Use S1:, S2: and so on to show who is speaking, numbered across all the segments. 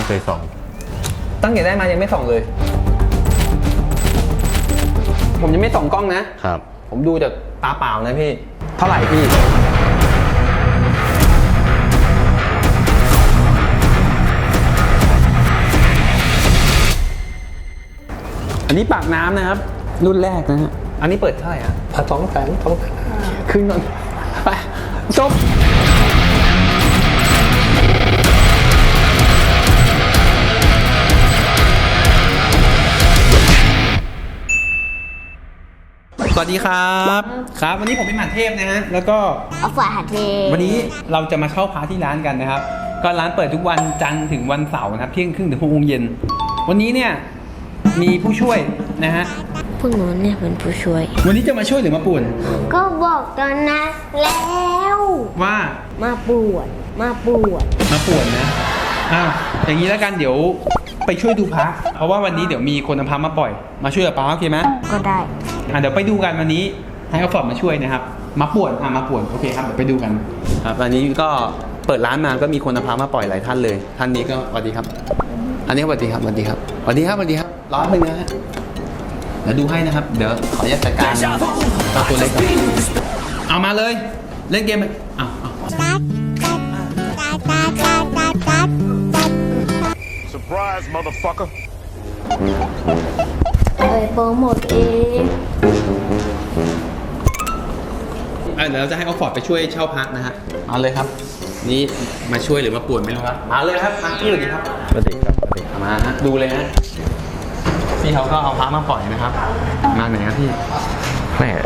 S1: เคยส่อง
S2: ตั้งแต่ได้มายังไม่ส่องเลย ผมยังไม่ส่องกล้องนะ
S1: ครับ
S2: ผมดูจากตาเปล่านะพี่ เท่าไหร่พี่อันนี้ปากน้ำนะครับรุ่นแรกนะฮะอันนี้เปิดเท่าไหร่ฮะ200,000ขึ้นก่อนไปจบสวัสดีครับครับวันนี้ผมเป็นหมานเทพนะฮะแล้วก็
S3: เอาฝาหาเท
S2: วันนี้เราจะมาเช่าพระที่ร้านกันนะครับก็ร้านเปิดทุกวันจันทร์ถึงวันเสาร์นะครับเที่ยงครึ่งถึง6 โมงเย็นวันนี้เนี่ยมีผู้ช่วยนะฮะ
S3: พวกหนูเนี่ยเป็นผู้ช่วย
S2: วันนี้จะมาช่วยหรือมาป่วน
S3: ก็บอกตอนนั้นแล้ว
S2: ว่า
S3: มาป่วน
S2: มาป่วนนะอย่างนี้แล้วกันเดี๋ยวไปช่วยดูพระเพราะว่าวันนี้เดี๋ยวมีคนเอาพระมาปล่อยมาช่วยกับป้าโอเคไหม
S3: ก็ได้
S2: เดี๋ยวไปดูกันวันนี้ให้เขาฟอร์ดมาช่วยนะครับมาป่วนมาป่วนโอเคครับเดี๋ยวไปดูกันครับอันนี้ก็เปิดร้านมาก็มีคนเอาพระมาปล่อยหลายท่านเลยท่านนี้ก็สวัสดีครับอันนี้สวัสดีครับร้อนหนึ่งนะฮะเดี๋ยวดูให้นะครับเดี๋ยวขออนุญาตจัดการตัวเล็กก่อนเอามาเลยเล่นเกมเอา
S4: Surprise, motherfucker
S3: โปรโมทเอง
S2: เดี๋ยวเราจะให้ออฟฟอร์ดไปช่วยเช่าพักนะฮะเอาเลยครับนี่มาช่วยหรือมาป่วนไม่รู้ครับมาเลยครับมาที่เลยครับ
S1: สวัสดีครับ
S2: มาฮะดูเลยฮะพี่เขาก็เอาพักมาปล่อยนะครับมาไหนครับพี่
S1: แพร่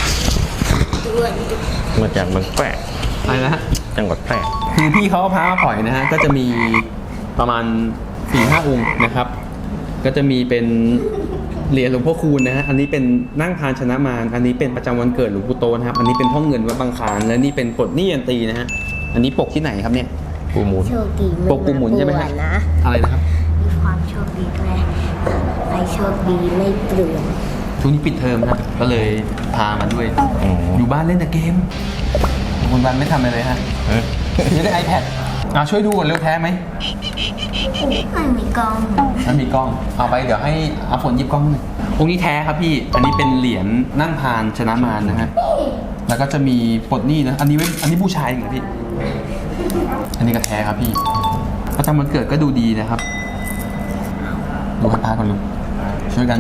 S1: มาจากเมืองแพร่
S2: อะไรนะฮะ
S1: จังหวัดแพร่
S2: คือพี่เขาเอาพักมาปล่อยนะฮะก็จะมีประมาณ 4-5 องค์นะครับก็จะมีเป็นเหรียญหลวงพ่อคูณนะฮะอันนี้เป็นนั่งพานชนะมารอันนี้เป็นประจำวันเกิดหลวงปู่โตนะครับอันนี้เป็นพ่อเงินวัดบางคลานและนี่เป็นปลดหนี้ยันตีนะฮะอันนี้ปกที่ไหนครับเนี่ย
S1: ปูหมุน
S3: โชคดี
S2: ปกปูหมุนใช่ไหมครับอะไรนะครับ
S3: มีความโชคดีด้วยใครโชคดีไม่เปลือง
S2: ช่วงนี้ปิดเทอมนะก็เลยพามาด้วยอยู่บ้านเล่นแต่เกมคุณบันไม่ทำอะไรเลยฮะนี่ได้ iPad ช่วยดูก่อนเร็วแท้ไหม
S3: ไม่มีกล้อง
S2: เอาไปเดี๋ยวให้อาฝนหยิบกล้องหน่อยองค์นี้แท้ครับพี่อันนี้เป็นเหรียญนั่งพานชนะมารนะฮะแล้วก็จะมีปลดหนี้นะอันนี้บูชาเองเหรอพี่อันนี้ก็แท้ครับพี่ประจำวันเกิดก็ดูดีนะครับดูให้พาก่อนลูกช่วยกัน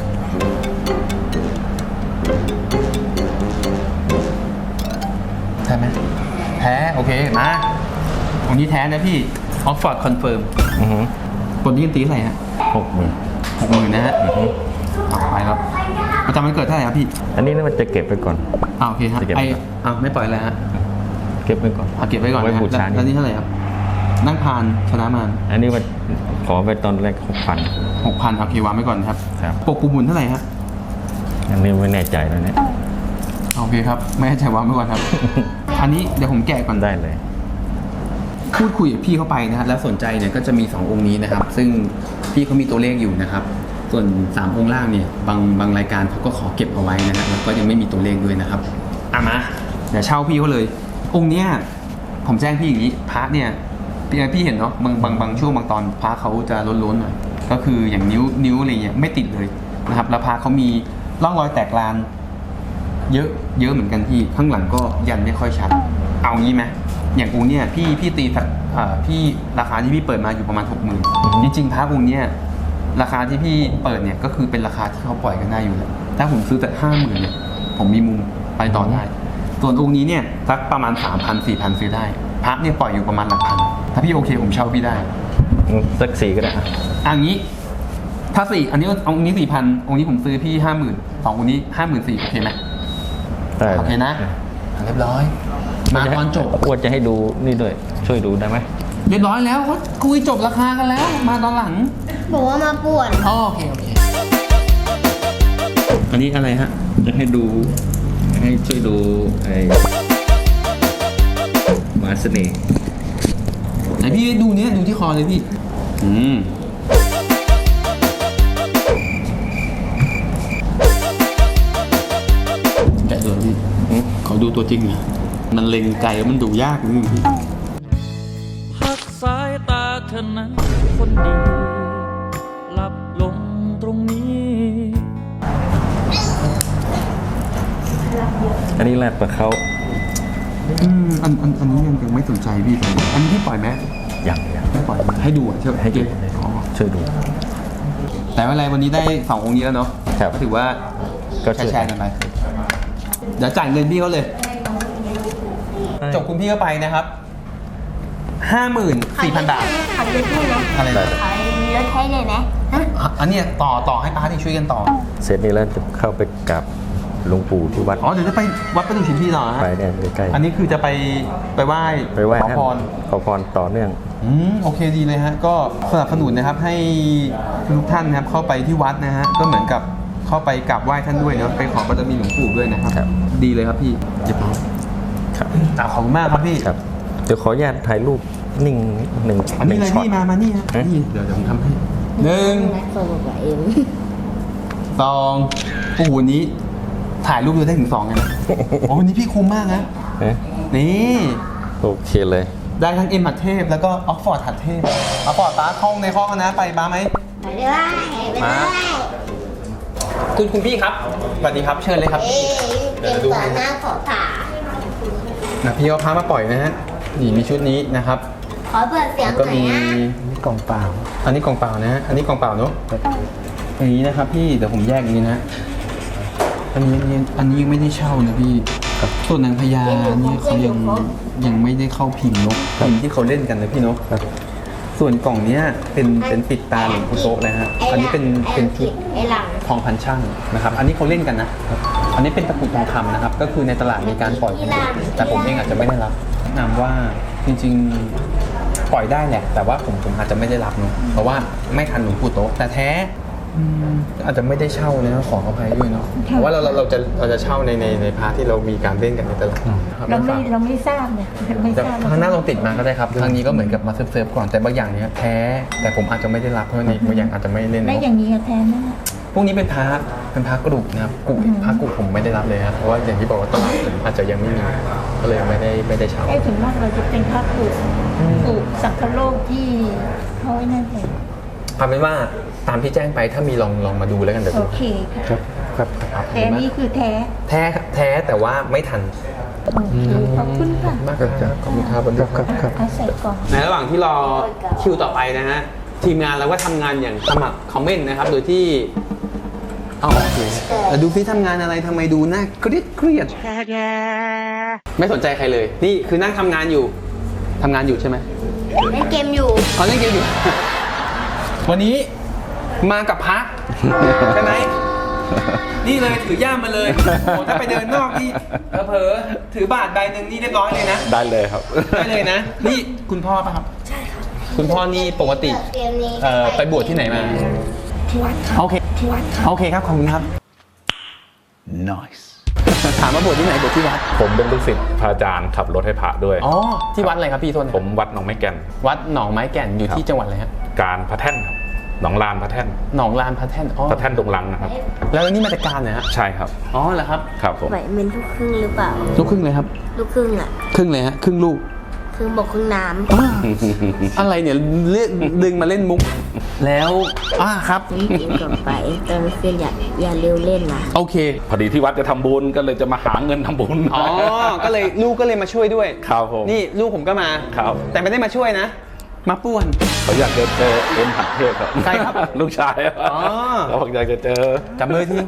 S2: แท้ไหมแท้โอเคมาองค์นี้แท้นะพี่ออฟฟอร์ดคอนเฟิร์มปลดหนี้ยันตีอะไรฮะ60,000นะฮะไปครับประจำวันเกิดเท่าไหร่ครับพี่
S1: อันนี้มันจะเก็บไปก่อน
S2: โอเคครับไม่ปล่อยแล้วฮะ
S1: เก็บไว้ก่อน
S2: เก็บไว้ก่อนไว้บูชาแล้วนี่เท่าไหร่ครับนั่งพานชนะมาร
S1: อันนี้มันขอไปตอนแรก
S2: 6,000โอเควางไว้ก่อนครับปกปูหมุนเท่าไหร่ฮะ
S1: อันนี้ไม่แน่ใจแล้วเนี่ย
S2: โอเคครับไม่แน่ใจวางไว้ก่อนครับอันนี้เดี๋ยวผมแกะก่อน
S1: ได้เลย
S2: พูดคุยกับพี่เข้าไปนะฮะแล้วสนใจเนี่ยก็จะมี2องค์นี้นะครับซึ่งพี่เขามีตัวเลขอยู่นะครับส่วน3องค์ล่างเนี่ยบางรายการเขาก็ขอเก็บเอาไว้นะฮะแล้วก็ยังไม่มีตัวเลขด้วยนะครับมาเดี๋ยวเช่าพี่เขาเลยองค์เนี้ยผมแจ้งพี่อย่างนี้พระเนี่ยพี่เห็นเนาะบางช่วงบางตอนพระเขาจะล้นๆหน่อยก็คืออย่างนิ้วอะไรเงี้ยไม่ติดเลยนะครับแล้วพระเขามีร่องรอยแตกลานเยอะเหมือนกันพี่ข้างหลังก็ยันไม่ค่อยชัดเอางี้ไหมอย่างองค์เนี่ยพี่ตีพี่ราคาที่พี่เปิดมาอยู่ประมาณ 60,000จริงๆพระองค์เนี่ยราคาที่พี่เปิดเนี่ยก็คือเป็นราคาที่เขาปล่อยกันได้อยู่แล้วถ้าผมซื้อแต่ 50,000เนี่ยผมมีมุมไปต่อได้ส่วนองค์นี้เนี่ยสักประมาณ 3,000-4,000 ซื้อได้พระเนี่ยปล่อยอยู่ประมาณหลักพันถ้าพี่โอเคผมเช่าพี่ได้
S1: สัก4ก็ได้
S2: อย่างนี้ถ้า4อันนี้องค์นี้ 4,000 องค์นี้ผมซื้อพี่ 50,000 2องค์นี้ 54,000โอเคไหมโอเคนะเรียบร้อยมาตอนจบ
S1: ควรจะให้ดูนี่ด้วยช่วยดูได้ไหม
S2: เรียบร้อยแล้วเขาคุยจบราคากันแล้วมาตอนหลัง
S3: บอกว่ามาป่วน
S2: โอเคอันนี้อะไรฮะ
S1: จะให้ดูให้ช่วยดูไอ้มาเสน่ห์
S2: ไหนพี่ดูเนี้ยดูที่คอเลยพี่แกะตัวพี่เขาดูตัวจริงเหรอมันเล็งไกลมันดูยากนิดนึงพี่
S5: พักสายตาเธอนั้นคนดีหลับลงตรงนี้
S1: อันนี้แรดปะเขา
S2: อันนี้ยังไม่สนใจพี่เลยอันนี้พี่ปล่อยไหม
S1: อย่าง
S2: ไม่ปล่อยให้ดูอ่ะใช่ไหม
S1: ให้ดู
S2: อ๋อ
S1: ช่วยดู
S2: แต่ว่าอะไรวันนี้ได้2องค์นี้แล้วเนาะ
S1: ครับ
S2: ก็ถือว่า
S1: ก็ช่วย
S2: แชร์กันไปเดี๋ยวจ่ายเงินพี่เขาเลย จบคุณพี่เข้าไปนะครับ 54,000 บาท
S3: ขอเยอะด้วยนะ
S2: อะไรนะ
S3: ขอเยอะแท้เลยนะฮะ
S2: อันเนี้ยต่อให้ป้าที่ช่วยกันต่อ
S1: เสร็จนี้แล้วจะเข้าไปกับหลวงปู่ที่วัด
S2: อ๋อเดี๋ยวจะไปวัดประดู่ชินพี่ต่อฮะ
S1: ไปเนี่ยใกล้
S2: อันนี้คือจะไปไหว้
S1: ๆไปไหว้
S2: ขอ
S1: ท่าน
S2: พร
S1: ขอพรต่อเนื่อง
S2: โอเคดีเลยฮะก็สนับสนุนนะครับให้ทุกท่านนะครับเข้าไปที่วัดนะฮะก็เหมือนกับเข้าไปกราบไหว้ท่านด้วยเนาะไปขอบารมีหลวงปู่ด้วยนะครับ
S1: ครับ
S2: ดีเลยครับพี่เจ็บ
S1: ครับ
S2: ขอบคุณมากครับพี่
S1: ครับเดี๋ยวขออนุญาตถ่ายรูปนิ่งหนึ่ง
S2: อันนี้เลย
S1: ช็อต
S2: พี่มานี่ฮะ
S1: ฮะ
S2: นี่เดี๋ยวผมทำให้1
S3: นักโซโลกับเอ็ม
S2: 2โอ้โหวันนี้ถ่ายรูปดูได้ถึง2เลยนะโอ้วันนี้พี่คุ้มมากนะ
S1: ฮะ
S2: นี่
S1: โอเคเลย
S2: ได้ทั้งเอ็มหัดเทพแล้วก็ออกฟอร์ดหัดเทพออกฟอร์ดป้าคล่องในห้องนะไปป้าไหม
S3: ไปด้วยไปด้วย
S2: คุณพี่ครับสวัสดีครับเชิญเลยครับ
S3: เอ๊ะเตรียมตัวหน้าขอผ่า
S2: นะพี่เอาพามาปล่อยนะฮะนี่มีชุดนี้นะครับ
S3: ขอเปิดเสียง
S2: ก็
S3: หน่อย
S2: มี
S3: นะ
S2: กล่องเปล่า อันนี้กล่องเปล่านะฮะอันนี้กล่องเปล่าเนอะอย่างนี้นะครับพี่เดี๋ยวผมแยกอย่างนี้นะ อันนี้ยังไม่ได้เช่านะพี่ส่วนนางพญาเนี่ยเขายังไม่ได้เข้าพิมพ์เนกพิมพ์ที่เขาเล่นกันนะพี่เนกส่วนกล่องเนี้ยเป็นปิดตาหลวงปู่โตะนะฮะอันนี้เป็นชุด
S3: ไอ้หลัง
S2: ทองพันช่างนะครับ อันนี้เขาเล่นกันนะ อันนี้เป็นตะกรุดทองคำนะครับ ก็คือในตลาดมีการปล่อยกันอยู่แต่ผมเองอาจจะไม่ได้รับแนะนำว่าจริงๆปล่อยได้แหละ แต่ว่าผมอาจจะไม่ได้รับเนาะ เพราะว่าไม่ทันหลวงปู่โตะแต่แท้อาจจะไม่ได้เช่านะขออภัยด้วยเนาะ เพราะว่าเราจะเช่าในพาร์ทที่เรามีการเล่นกันในตลาดคบ
S6: เราไม่ทราบเนี่ยไม่
S2: แต่
S6: ทราบ
S2: ทางหน้าลองติดมาก็ได้ครับทางนี้ก็เหมือนกับมาเซิร์ฟก่อน แต่บางอย่างเนี้ยแท้ แต่ผมอาจจะไม่ได้รับเพราะในบางอย่างอาจจะไม่เล่น
S6: ได้
S2: เนาะ
S6: อย่างนี้แทนนะ
S2: พวกนี้เป็นพระกระดูกนะครับพระกระดูกผมไม่ได้รับเลยครับเพราะว่าอย่างที่บอกว่าตลาดอาจจะยังไม่มีก็เลยไม่ได้เช่า
S6: ไอ้ถึงมากเราจะเป็นพระปุสังคโลกที่เขาไอ้นั่นเอง
S2: เอาเป็นว่าตามที่แจ้งไปถ้ามีลองมาดูแล้วกันเดี๋ยว
S6: โอ
S2: ดู
S6: เคค่ะ
S2: ครับ
S6: แท้นี่คือแท้
S2: แท้แต่ว่าไม่ทัน
S6: โอเคขอบคุณค่ะ
S2: มากครับขอบคุณครับครับ
S6: เอาใส่กล่อง
S2: ในระหว่างที่รอคิวต่อไปนะฮะทีมงานเราก็ทำงานอย่างสมัครคอมเมนต์นะครับโดยที่เอาโอเคแต่ดูพี่ทำงานอะไรทำไมดูหน้าเครียดไม่สนใจใครเลย นี่คือนั่งทำงานอยู่ใช่ไหม
S3: เล่นเกมอยู่
S2: เขาเล่นเกมอยู่ วันนี้มากับพักใช่ไหมนี่เลยถือย่ามมาเลยโอ้ถ้าไปเดินนอกนี่เผลอๆถือบาทใบหนึ่งนี่เรียบร้อยเลยนะ
S1: ได้เลยครับ
S2: ได้เลยนะ นี่คุณพ่อป่ะครับ ใช่ครับ คุณพ่อนี่ปกติ
S3: เกมนี้
S2: ไปบวชที่ไหนมา
S3: ที่วัด
S2: โอเคโอเคครับขอบคุณครับ
S1: nice
S2: ถามมาบวชที่ไหนบวชที่วัด
S7: ผมเป็นลูกศิษย์พระอาจารย์ขับรถให้พระด้วย
S2: อ๋อที่วัดอะไรครับพี่โทษนะ
S7: ผมวัดหนองไม้แก่น
S2: วัดหนองไม้แก่นอยู่ที่จังหวัดอะไรฮะ
S7: การพระแท่นครับหนองลานพระแท่น
S2: หนองลานพระแท่นอ๋อ
S7: พระแท่นดงลังนะครับ
S2: แล้วนี่มาจากการเหรอฮะ
S7: ใช่ครับ
S2: อ๋อเหรอครับ
S7: ครับผม
S3: ไหวเป็นลูกครึ่งหรือเปล่า
S2: ลูกครึ่งเลยครับ
S3: ลูกครึ่งอ่ะ
S2: ครึ่งเลยฮะครึ่งลูก
S3: ครึ่งบกครึ่งน้
S2: อะไรเนี่ยดึงมาเล่นมุก แล้วครับ
S3: ำกินก่อนไปตอนคืนอย่าเร็วเล่นนะ
S2: โอเค
S7: พอดีที่วัดจะทำบุญก็เลยจะมาหาเงินทำบุญ
S2: อ๋อก็เลยลูกก็เลยมาช่วยด้วย
S7: ครับผม
S2: นี่ลูกผมก็มา
S7: ครับ
S2: แต่ไม่ได้มาช่วยนะ มาป่วน
S7: เขาอยากจะเจอเอ็มหัดเทพครับ
S2: ใครครับ
S7: ลูกชาย
S2: อ๋อ
S7: เขาบอกอยากจะเจอ
S2: จับมือที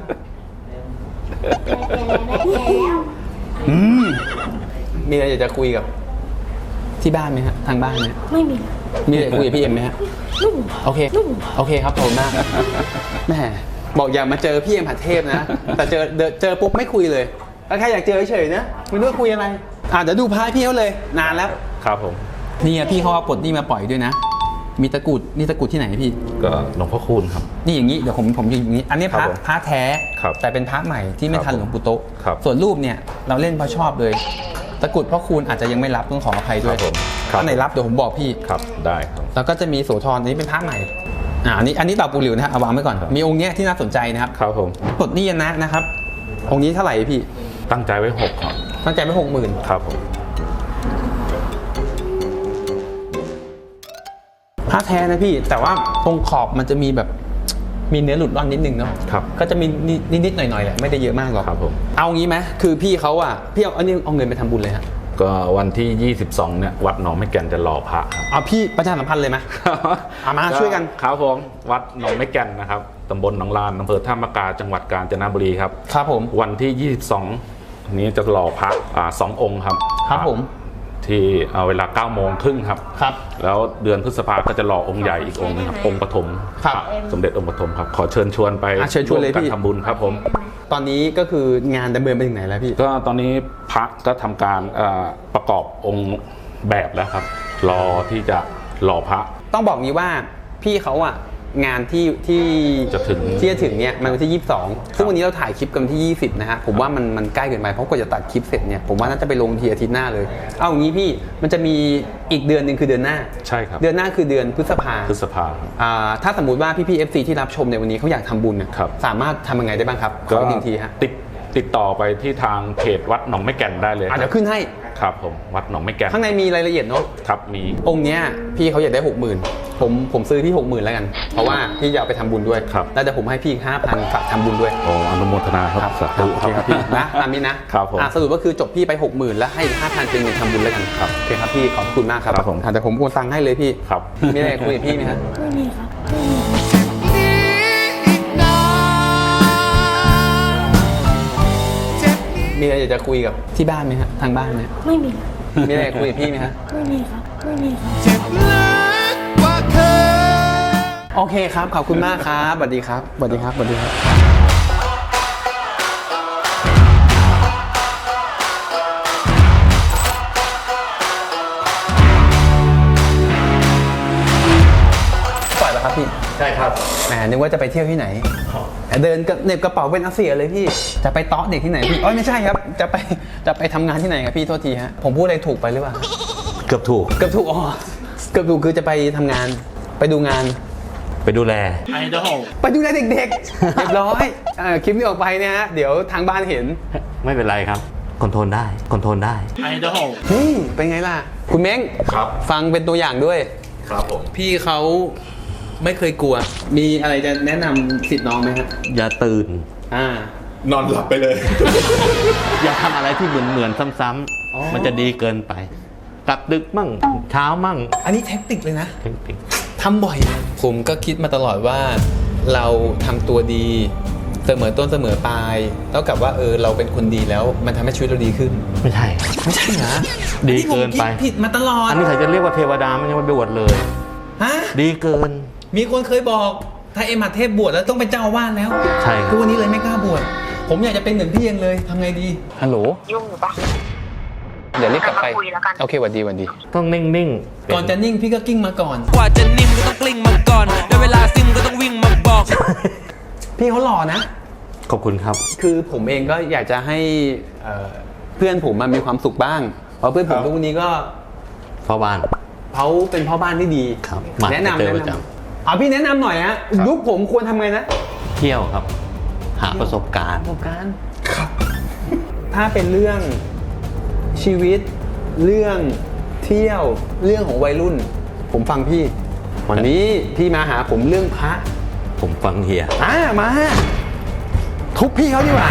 S2: มีอะไรอยากจะคุยกับ ที่บ้านไหมฮะทางบ้านไหม
S3: ไม่มี
S2: มีอะไรคุยกับพี่เอ็มไหมฮะโอเคครับขอบคุณมากแหม่บอกอย่ามาเจอพี่เอ็มหัดเทพนะ แต่เจอปุ๊บไม่คุยเลยแล้วแค่อยากเจอเฉยๆนะไม่รู้ว่าคุยอะไรเดี๋ยวดูพายพี่เขาเลยนานแล้ว
S7: ครับผม
S2: นี่พี่เขาเอาปลดนี่มาปล่อยด้วยนะ มีตะกรุดนี่ตะกรุดที่ไหนพี่
S7: ก็หลวงพ่อคูณครับ
S2: นี่อย่างนี้เดี๋ยวผมอยู่อย่างนี้ อันนี้พ
S7: ครั
S2: ระ
S7: บผม
S2: พระแท้
S7: ครับ
S2: แต่เป็นพระใหม่ที่ไม่ทัน
S7: ครับ
S2: หลวงปู่โตะ
S7: ครับ
S2: ส่วนรูปเนี่ยเราเล่นเพราะชอบเลย ตะกรุดพ่อคูณอาจจะยังไม่รับต้องขออภัยด้วย
S7: ครับผมครับ
S2: ถ้าไหนรับเดี๋ยวผมบอกพี่
S7: ครับได้ครับ
S2: แล้วก็จะมีโสธรอันนี้เป็นพระใหม่อันนี้เต่าปูหลิวนะฮะเอาวางไว้ก่อน
S7: ครับ
S2: มีองค์เนี้ยที่น่าสนใจนะครับ
S7: ครับผม
S2: ปลดหนี่ยนะนะครับ องค์นี้เท่าไหร่พี่
S7: ตั้งใจไว้6ครับ
S2: ตั้งใจไว้60,000
S7: ครับผม
S2: ผ้าแท้นะพี่แต่ว่าตรงขอบมันจะมีแบบมีเนื้อหลุดร่อนนิดนึงเนาะ
S7: ครับ
S2: ก็จะมีนิดๆหน่อยๆแหละไม่ได้เยอะมากหรอก
S7: ครับผม
S2: เอางี้ไหมคือพี่เขาอ่ะพี่เอาเงินไปทำบุญเลยฮะ
S7: ก็วันที่ 22 เนี่ยวัดหนองไม่แก่นจะหล่อพระครับ
S2: เอาพี่ประชาสัมพันธ์เลยไหม เอามาช่วยกัน
S7: ครับผมวัดหนองไม่แก่นนะครับตำบลหนองลานอำเภอท่ามะกาจังหวัดกาญจนบุรีครับ
S2: ครับผม
S7: วันที่ 22 นี้จะหล่อพระ2 องค์ครับ
S2: ครับผม
S7: ที่เวลา 9 โมงครึ่งครับ
S2: ครับ
S7: แล้วเดือนพฤษภาก็จะหล่อองค์ใหญ่อีกองค์นึงครับองค์ปฐม
S2: ครับ
S7: สมเด็จองค์ปฐมครับขอเชิญชวนไป
S2: เชิญชวนเลย
S7: ร่วม
S2: พี่
S7: กันทำบุญครับผม
S2: ตอนนี้ก็คืองานดำเนินไปถึงไหนแล้วพี่
S7: ก็ตอนนี้พระก็ทำการประกอบองค์แบบแล้วครับ รอที่จะหล่อพระ
S2: ต้องบอกงี้ว่าพี่เขาอ่ะงานที่
S7: จะถึง
S2: เนี่ยมันวันที่ 22 ซึ่งวันนี้เราถ่ายคลิปกันที่ 20 นะฮะผมว่ามันใกล้เกินไปเพราะกว่าจะตัดคลิปเสร็จเนี่ยผมว่าน่าจะไปลงทีอาทิตย์หน้าเลยเอาอย่างนี้พี่มันจะมีอีกเดือนหนึ่งคือเดือนหน้า
S7: ใช่ครับ
S2: เดือนหน้าคือเดือนพฤษภา
S7: พฤษภาครับ
S2: ถ้าสมมุติว่าพี่ๆ FC ที่รับชมในวันนี้เขาอยากทำบุญเนี่ย
S7: ครับ
S2: สามารถทำยังไงได้บ้างครับขออีกหนึ่งทีฮะ
S7: ติดต่อไปที่ทางเพจวัดหนองไม่แก่นได้เลย
S2: เดี๋ยวขึ้นให้
S7: ครับผมวัดหนองไม่แก่น
S2: ข้างในมีรายละเอียดเนาะ
S7: ครับมี
S2: องค์เนี้ยพี่เขาอยากได้ 60,000ผมซื้อที่ 60,000แล้วกันเพราะว่าพี่จะเอาไปทำบุญด้วย
S7: ครับ
S2: แล้วเดี๋ยวผมให้พี่อีก 5,000ฝากทำบุญด้วย
S7: โอ้อนุโมทนาครับสา
S2: โอ
S7: ธุ
S2: เคครับพี่นะตามนี้นะครับ
S7: ผม
S2: สรุปก็คือจบพี่ไป 60,000แล้วให้อีก 5,000เป็นเงินทำบุญแล้วกันครับโอเคครับพี่ขอบคุณมากครับ
S7: ครับผม
S2: แต่ผมโอนตังค์ให้เลยพี่
S7: ครับ
S2: มีอะไรคุยกับพี่ไหมครับ
S3: ไม่มีครับ
S2: มีอะไรอยากจะคุยกับที่บ้านไหมฮะทางบ้านไหม
S3: ไม่มี
S2: มีอะไรคุยกับพี่ไหมฮะ
S3: ไม่มีครับ ไม่มีครับ
S2: โอเคครับขอบคุณมากครับสวัสดีครับสวัสดีครับสวัสดีครับ ปล่อยแล้วครับพี่
S1: ใช่ครับ
S2: แหมนึกว่าจะไปเที่ยวที่ไหนเดินกับเหน็บกระเป๋าเป็นอาเซียเลยพี่จะไปเตาะเด็กที่ไหนพี่ไม่ใช่ครับจะไปทำงานที่ไหนครับพี่โทษทีฮะผมพูดอะไรถูกไปหรือเปล่า
S1: เกือบถูก
S2: เกือบถูกเกือบถูกคือจะไปทำงานไปดูงาน
S1: ไปดูแล
S2: ไปดูแลเด็กๆ เรียบร้อยคลิปนี้ออกไปเนี่ยฮะเดี๋ยวทางบ้านเห็น
S1: ไม่เป็นไรครับคอนโทรลได้คอนโทรลได้
S2: นี่เป็นไงล่ะ คุณเม้ง
S7: ครับ
S2: ฟังเป็นตัวอย่างด้วย
S7: ครับผม
S2: พี่เขาไม่เคยกลัว มีอะไรจะแนะนำสิทธิ์น้องไหมฮะ
S1: อย่าตื่น
S7: นอนหลับไปเลย
S1: อย่าทำอะไรที่เหมือนซ้ำๆมันจะดีเกินไป กลับดึกมั่งเช้ามั่ง
S2: อันนี้เทคนิคเลยนะ
S1: เทคนิค
S2: ทำบ่อย ผมก็คิดมาตลอดว่าเราทำตัวดีเสมอต้นเสมอปลายเท่ากับว่าเราเป็นคนดีแล้วมันทำให้ชีวิตเราดีขึ้น
S1: ไม่ใช่
S2: ไม่ใช่นะ
S1: ดีเกินไป
S2: อัผมคิดผิดมาตลอด
S1: อันนี้เขาจะเรียกว่าเทวดาไม่ใช่ว่าไปบวชเลย
S2: ฮะ
S1: ดีเกิน
S2: มีคนเคยบอกถ้าเอ็มหัดเทพบวชแล้วต้องเป็นเจ้าอาวาสแล้ว
S1: ใช่ครับ
S2: ทุกวันนี้เลยไม่กล้าบวชผมอยากจะเป็นเหมือนพี่เองเลยทำไงดีฮัลโหล
S3: ยุ่งหรือปะ
S2: เดี๋ยวรีบกลับไป
S3: มาคุยแล้วกัน
S2: โอเคหวัดดีหวัดดี
S1: ต้องนิ่งๆ
S2: ก่อนจะนิ่งพี่ก็กิ้งมาก่อน
S5: กว่าจะนิ่มก็ต้องกลิ้งมาก่อนได้เวลาซิมก็ต้องวิ่งมาบอก
S2: พี่เขาหล่อนะ
S1: ขอบคุณครับ
S2: คือผมเองก็อยากจะให้เพื่อนผมมันมีความสุขบ้าง เพราะเพื่อนผมทุกวันนี้ก็
S1: พ่อบ้าน
S2: เขาเป็นพ่อบ้านที่ดี
S1: ครับมา
S2: แนะนำ
S1: เจอ
S2: แนะ
S1: ประจ
S2: นำเอาพี่แนะนำหน่อยฮะยุคผมควรทำไงนะ
S1: เที่ยวครับ หาประสบการณ์
S2: ประสบการณ์ถ้าเป็นเรื่องชีวิต เรื่องเที่ยว เรื่องของวัยรุ่น ผมฟังพี่ วันนี้พี่มาหาผมเรื่องพระ
S1: ผมฟังเฮีย
S2: มาทุบพี่เขาดีกว่า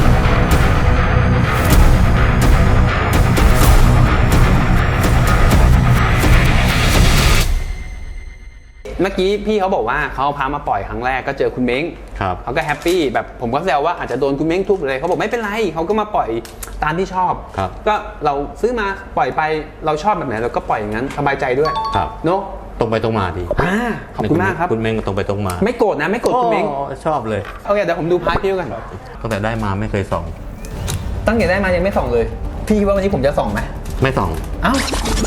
S2: เมื่อกี้พี่เขาบอกว่าเขาเอาพามาปล่อยครั้งแรกก็เจอคุณเม้ง
S1: ครับ
S2: เขาก็แฮปปี้แบบผมก็แซวว่าอาจจะโดนคุณเม้งทุบเลยเขาบอกไม่เป็นไรเขาก็มาปล่อยตามที่ชอบ
S1: ครับ
S2: ก็เราซื้อมาปล่อยไปเราชอบแบบไหนเราก็ปล่อยอย่างนั้นสบายใจด้วย
S1: ครับ
S2: เนอะ
S1: ตรงไปตรงมาดี
S2: ขอบคุณมากครับ
S1: คุณเม้งก็ตรงไปตรงมา
S2: ไม่โกรธนะไม่โกรธคุณเม้ง
S1: โอ้ชอบเลย
S2: โอเคเดี๋ยวผมดูพาร์ทพี่กัน
S1: ตั้งแต่ได้มาไม่เคยส่อง
S2: ตั้งแต่ได้มายังไม่ส่องเลย พี่คิดว่าวันนี้ผมจะส่องไหม
S1: ไม่ส่อง
S2: เอ้า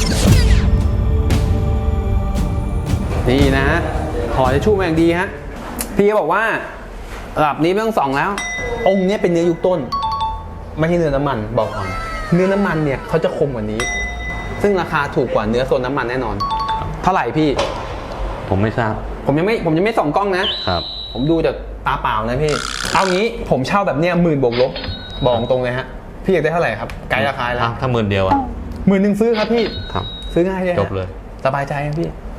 S2: นี่นะห่อจะชู่มาอย่างดีฮะพี่ก็บอกว่าระดับนี้ไม่ต้องส่องแล้ว องค์เนี้ยเป็นเนื้อยุคต้น ไม่ใช่เนื้อน้ำมันบอกก่อนเนื้อน้ำมันเนี่ยเขาจะคมกว่านี้ ซึ่งราคาถูกกว่าเนื้อโซนน้ำมันแน่นอน เท่าไหร่พี่
S1: ผมไม่ทราบ
S2: ผมยังไม่ส่องกล้องนะ
S1: ครับ
S2: ผมดูจากตาเปล่านะพี่ เอางี้ผมเช่าแบบเนี้ย10,000 บวกลบบอกตรงเลยฮะพี่อยากได้เท่าไหร่ครับไกด์ราคาแล้ว
S1: ถ้า10,000 เดียวอ่ะ
S2: 10,000 ซื้อครับพี่
S1: ครับ
S2: ซื้อง่ายเลยฮะ
S1: จบเลย
S2: สบายใจครับพี่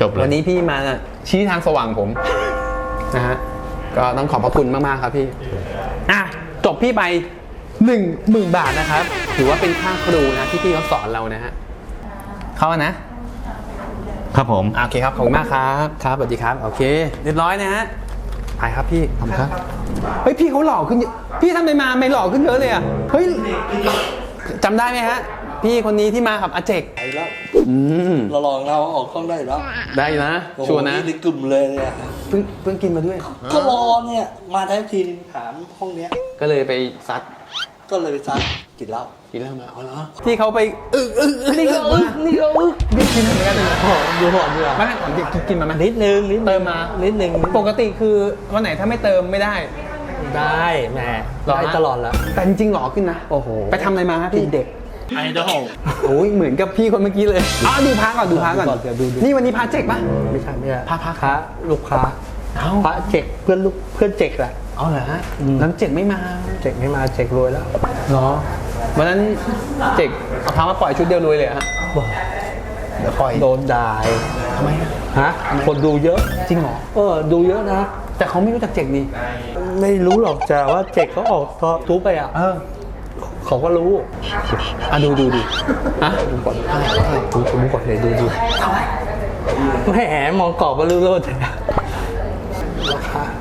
S1: จบเลย
S2: วันนี้พี่มาชี้ทางสว่างผมนะฮะก็ต้องขอบพระคุณมากๆครับพี่จบพี่ไป 10,000 บาทนะครับถือว่าเป็นค่าครูนะที่พี่เขาสอนเรานะฮะเข้านะ
S1: ครับผม
S2: โอเคครับขอบคุณมากครับครับสวัสดีครับโอเคเรียบร้อยนะฮะไปครับพี่ขอบคุณครับเฮ้ยพี่เขาหล่อขึ้นเยอะพี่ทำไมมาไม่หล่อขึ้นเยอะเลยอ่ะเฮ้ยจำได้ไหมฮะพี่คนนี้ที่มากับอาเจก
S8: ไปแล้ว
S2: ม
S8: เราลองเราออกกล้องได้แล้ว
S2: ได้นะ
S8: โอ้โห
S2: ชัวร์นะ
S8: นี่ในกลุ่มเลยเนี่ย
S2: เพิ่งกินมาด้วย
S8: ก็รอเนี่ยมาทั้งทีนึงถามห้องเนี้ย
S2: ก็เลยไปซัด
S8: ก็เลยไปซัดกินเหล้า
S2: กินแล้วมาเอาเหรอที่เขาไปนี่ก็นี่กินเหมือนกันนะ
S8: ดูหอมดีอ่ะ
S2: ไม่ก่อนกินมาไหม
S8: นิดนึง
S2: เติมมา
S8: นิดนึง
S2: ปกติคือวันไหนถ้าไม่เติมไม่ได้
S8: ได้แหม
S2: หล่อ
S8: ได้
S2: นะ
S8: ตลอดแล้ว
S2: แต่จริงๆหล่อขึ้นนะ
S8: โอ้โห
S2: ไปทำอะไรมาครับพี่
S8: เด็ก
S1: ไอดอล
S2: โอ้ยเหมือนกับพี่คนเมื่อกี้เลยดูพระก่อนดูพระก่อน
S8: เดี๋ยวดู
S2: นี่วันนี้พระเจกปะ
S8: ไม่ใช่ไม่ใช่
S2: พระ
S8: ค้าลูกค้า
S2: เอ้า
S8: พระเจกเพื่อนลูกเพื่อนเจกแหละ
S2: เอาเหรอฮะแล้วเจกไม่มา
S8: เจกไม่มาเจกรวยแล้ว
S2: เหรอวันนั้นเจกเอาพระมาปล่อยชุดเดียวรวยเลยเหรอฮะ
S8: บอก
S2: เดี๋ยวปล่อย
S8: โดนด่า
S2: ทำไมอะ
S8: ฮะคนดูเยอะ
S2: จริงเหรอ
S8: ดูเยอะนะ
S2: แต่เขาไม่รู้จักเจกนี่
S8: ไม่รู้หรอกแต่ว่าเจกเขาออกทูบไปอ่ะเขาก็รู้
S2: ดูฮะ
S8: ดูก่อนดูก่อนเลยดูแหมมองกรอบมารู้ๆแต่ราคา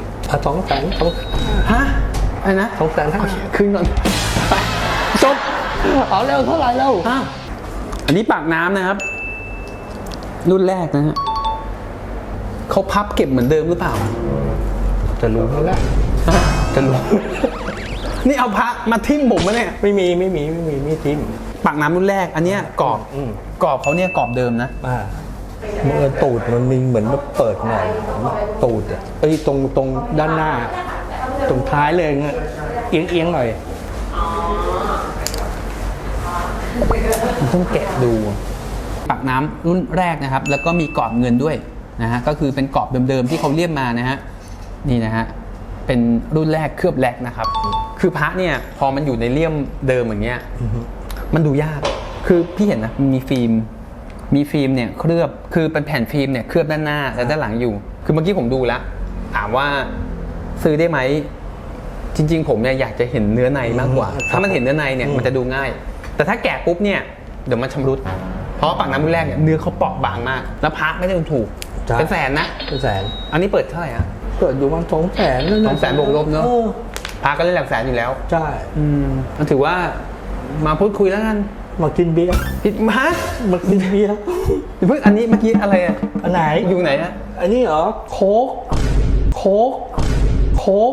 S8: 200,000
S2: ฮะอะไรนะ
S8: 250,000
S2: คืนก่อนไปจบ
S8: เอาเร็วเท่าไหร่แล้ว
S2: อันนี้ปากน้ำนะครับ รุ่นแรกนะฮะเขาพับเก็บเหมือนเดิมหรือเปล่า
S8: จะรู้ไหมล่ะ
S2: จะรู้ นี่เอาพระมาทิ่มผมมาเนี่ย
S8: ไม่มีทิม
S2: ปากน้ำรุ่นแรก อันเนี้ยกรอบ กรอบเขาเนี่ยกรอบเดิมนะ
S8: เมื่อตูดมันมีเหมือนมันเปิดหน่อยตูดอ่ะตรงด้านหน้า ตรงท้ายเลยเงี้ยเอียงหน่อย
S2: ต้องแกะดูปากน้ำรุ่นแรกนะครับ แล้วก็มีกรอบเงินด้วยนะฮะก็คือเป็นกรอบเดิมๆที่เขาเรียบมานะฮะนี่นะฮะเป็นรุ่นแรกเคลือบแลกนะครับ คือพระเนี่ยพอมันอยู่ในเลี่ยมเดิมอย่างเงี้ยมันดูยากคือพี่เห็นนะมีฟิล์มเนี่ยเคลือบคือเป็นแผ่นฟิล์มเนี่ยเคลือบด้านหน้าและด้านหลังอยู่ คือเมื่อกี้ผมดูแล้วถามว่าซื้อได้ไหมจริงๆผมเนี่ยอยากจะเห็นเนื้อในมากกว่า ถ้ามันเห็นเนื้อในเนี่ยมันจะดูง่าย แต่ถ้าแกะปุ๊บเนี่ยเดี๋ยวมันชำรุดเพราะปากน้ำรุ่นแรกเนี่ยเนื้อเขาเปราะบางมากแล้วพระไม่ได้ถูก
S8: ใช่
S2: เป็นแสนนะ
S8: เป็นแสน
S2: อันนี้เปิดเท่าไหร่ฮะ
S8: เปิดอยู่ประมาณ200,000นั่น
S2: 200,000บวกลบเนอะ พระก็เล่นหลักแสนอยู่แล้ว
S8: ใช่
S2: มันถือว่ามาพูดคุยแล้วกัน
S8: มากินเบียร์
S2: ผิดมา
S8: มากินเบียร์
S2: เพิ่งอันนี้เมื่อกี้อะไรอ่ะ
S8: อันไหน
S2: อยู่ไหนฮะ
S8: อันนี้เหรอโค้ก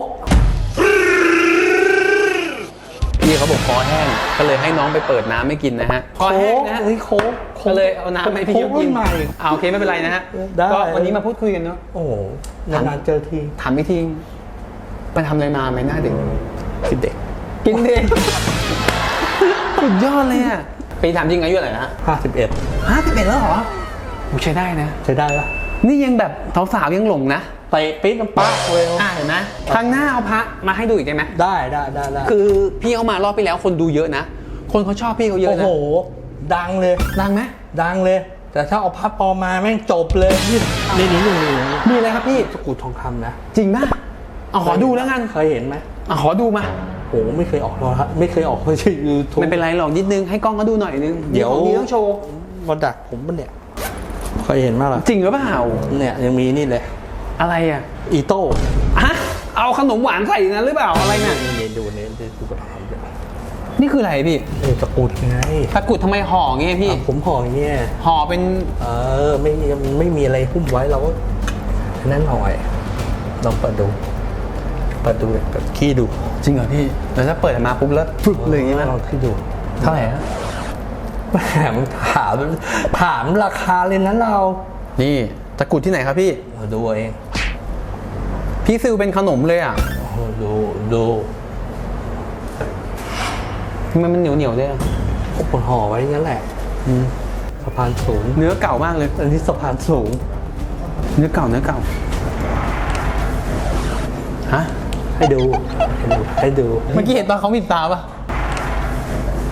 S2: พี่เขาบอกคอแห้งก็เลยให้น้องไปเปิดน้ำไม่กินนะฮะคอแห้งนะฮะ
S8: นี่โค้ก
S2: ก็เลยเอาน้ำให้พี่เขากิน
S8: ใหม่
S2: โอเคไม่เป็นไรนะฮะ
S8: ได้
S2: ก็วันนี้มาพูดคุยกันเนาะ
S8: โอ้โหนานๆเจอที
S2: ถามอีกทีไปทำอะไรมาไหมหน้าเด็ก
S8: กินเด็ก
S2: กินเด็กสุดยอดเลยอ่ะปีถามจริงอายุเท่าไหร่นะฮะ
S8: 51
S2: 51แล้วเหรอโอ้ใช้ได้นะ
S8: ใช้ได้ปะ
S2: นี่ยังแบบสาวๆยังหลงนะ
S8: เตะปิ๊ดน้ำปลาเลย
S2: เห็นไหมครั้งหน้าเอาพระมาให้ดูอีกได้ไหม
S8: ได้
S2: คือพี่เขามารอบไปแล้วคนดูเยอะนะ คนเขาชอบพี่เขาเยอะ
S8: โอ้
S2: นะ
S8: โหดังเลย
S2: ดังไหม
S8: ดังเลย แต่ถ้าเอาพับปลอมมาแม่งจบเลยนี่นี่
S2: มีอะไรครับพี่
S8: ตะกรุดทองคำนะ
S2: จริงป่ะเอาขอดูแล้วกัน
S8: เคยเห็นไหม
S2: ขอดูมา
S8: โหไม่เคยออกโทรทัศน์ไม่เคยออกเลยยูทูบ
S2: ไม่เป็นไรหรอกนิดนึงให้กล้องเขาดูหน่อยนึง
S8: เดี๋ยว
S2: มีต้องโชว์
S8: มาดักผมปะเนี่ยเคยเห็นมั้ยล่ะ
S2: จริงหรือเปล่า
S8: เนี่ยยังมีนี่เลย
S2: อะไรอ่ะ
S8: อีโต้
S2: ฮะเอาขนมหวานใส่นะหรือเปล่าอะไรเนี่ย
S8: นี่ดูเนี่ยดูกระถางเดี๋ยว
S2: นี่คืออะไรพี่
S8: ตะกรุดไง
S2: ตะกรุดทำไมห่อเงี้ยพี่
S8: ผมห่ออย่างเงี้ย
S2: ห่อเป็น
S8: ไม่มีอะไรหุ้มไว้เราก็นั่นหน่อยลองเปิดดูแบบขี้ดู
S2: จริงเหรอพี่แล้วถ้าเปิดมาปุ๊บแล้วฟึบเลยอย่างงี้ไหม
S8: ลองขี้ดู
S2: เท่าไหร่ฮะ
S8: แหมถามราคาเลยนะเรา
S2: นี่ตะกรุดที่ไหนครับพี่
S8: ดูเอง
S2: พี่ซิลเป็นขนมเลยอ่ะ
S8: ดู
S2: ทำไมมันเหนียวด้วยอะ
S8: พวกคนห่อไว้งั้นแหละสะพานสูง
S2: เนื้อเก่ามากเลย
S8: อันนี้สะพานสูง
S2: เนื้อเก่าฮะ
S8: ให้ดู
S2: เมื่อกี้เห็นตอนเขามีตาปะ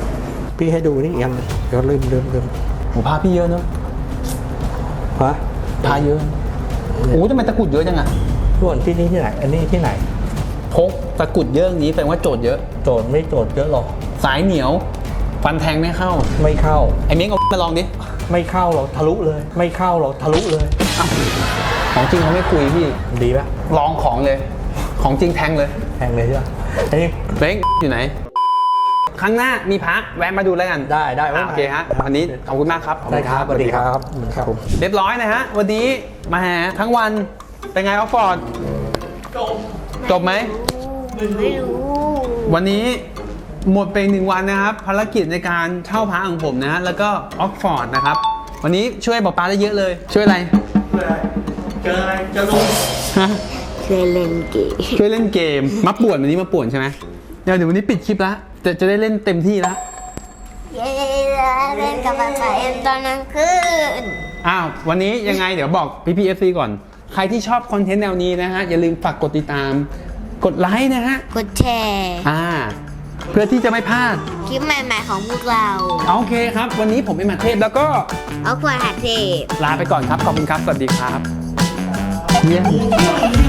S8: พี่ให้ดูนี่อีกอันหนึ่งเดี๋ยวลืม
S2: โหพาพี่เยอะเนอะ
S8: ฮะ
S2: พาเยอะโอ้ทำไมตะกรุดเยอะจังอะ
S8: ส่วนที่นี่ที่ไหน อันนี้ที่ไหน
S2: พกตะกรุดเยอะอย่างนี้แปลว่าโจทย์เยอะ
S8: โจทย์ไม่โจทย์เยอะหรอก
S2: สายเหนียว ฟันแทงไม่เข้า
S8: ไม่เข้า
S2: ไอ้เม้งเอามาลองดิ
S8: ไม่เข้าหรอกทะลุเลย ไม่เข้าหรอกทะลุเลย
S2: ของจริงเขาไม่คุยพี่
S8: ดีปะ
S2: ลองของเลย ของจริงแทงเลย
S8: แพงเลยใช่ปะอันนี้
S2: เม้งอยู่ไหน ครั้งหน้ามีพระแวะมาดูแล้วกัน
S8: ได้ได้
S2: โอเคฮะวันนี้ขอบคุณมากครับ
S8: ได้ครับสวัสดีครับครับผม
S2: เรียบร้อยนะฮะ วันนี้มาหาทั้งวันเป็นไงออกฟอร์ดจบไหม
S3: ไม่รู้
S2: วันนี้หมดไป1 วันนะครับ ภารกิจในการเช่าพระของผมนะฮะแล้วก็ออกฟอร์ดนะครับ วันนี้ช่วยบอกปาได้เยอะเลย ช่วยอะไร
S8: เจออะไรเจอลุง
S2: ฮะ
S3: เคยเล่นเกม
S2: ช่วยเล่นเกมมาป่วนวันนี้มาป่วนใช่ไหมเดี๋ยววันนี้ปิดคลิปละจะได้เล่นเต็มที่ละ
S3: เย้เล่นกับป๊าป๊าเอ็มตอนกลางคืน
S2: อ้าววันนี้ยังไงเดี๋ยวบอกพี่ๆ FC ก่อน ใครที่ชอบคอนเทนต์แนวนี้นะฮะอย่าลืมฝากกดติดตาม กดไลค์นะฮะ
S3: กดแชร์
S2: เพื่อที่จะไม่พลาด
S3: คลิปใหม่ๆของพวกเรา
S2: โอเคครับ วันนี้ผมเป็นมาเทพแล้วก็
S3: เอาขวดหาเทพ
S2: ลาไปก่อนครับ ขอบคุณครับ สวัสดีครับ
S8: เยี่ยม